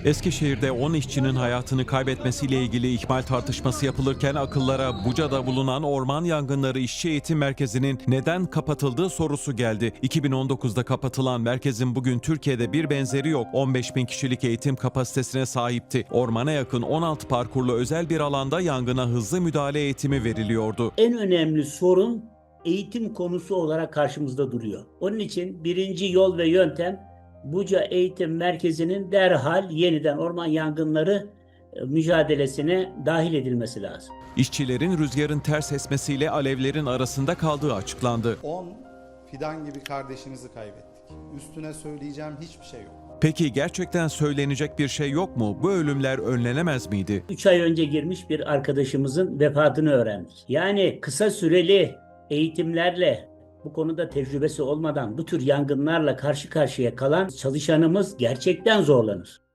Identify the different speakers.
Speaker 1: Eskişehir'de 10 işçinin hayatını kaybetmesiyle ilgili ihmal tartışması yapılırken akıllara Buca'da bulunan orman yangınları işçi eğitim merkezinin neden kapatıldığı sorusu geldi. 2019'da kapatılan merkezin bugün Türkiye'de bir benzeri yok. 15 bin kişilik eğitim kapasitesine sahipti. Ormana yakın 16 parkurlu özel bir alanda yangına hızlı müdahale eğitimi veriliyordu.
Speaker 2: En önemli sorun eğitim konusu olarak karşımızda duruyor. Onun için birinci yol ve yöntem Buca Eğitim Merkezi'nin derhal yeniden orman yangınları mücadelesine dahil edilmesi lazım.
Speaker 1: İşçilerin rüzgarın ters esmesiyle alevlerin arasında kaldığı açıklandı.
Speaker 3: 10 fidan gibi kardeşimizi kaybettik. Üstüne söyleyeceğim hiçbir şey yok.
Speaker 1: Peki gerçekten söylenecek bir şey yok mu? Bu ölümler önlenemez miydi?
Speaker 2: 3 ay önce girmiş bir arkadaşımızın vefatını öğrendik. Yani kısa süreli eğitimlerle bu konuda tecrübesi olmadan bu tür yangınlarla karşı karşıya kalan çalışanımız gerçekten zorlanır.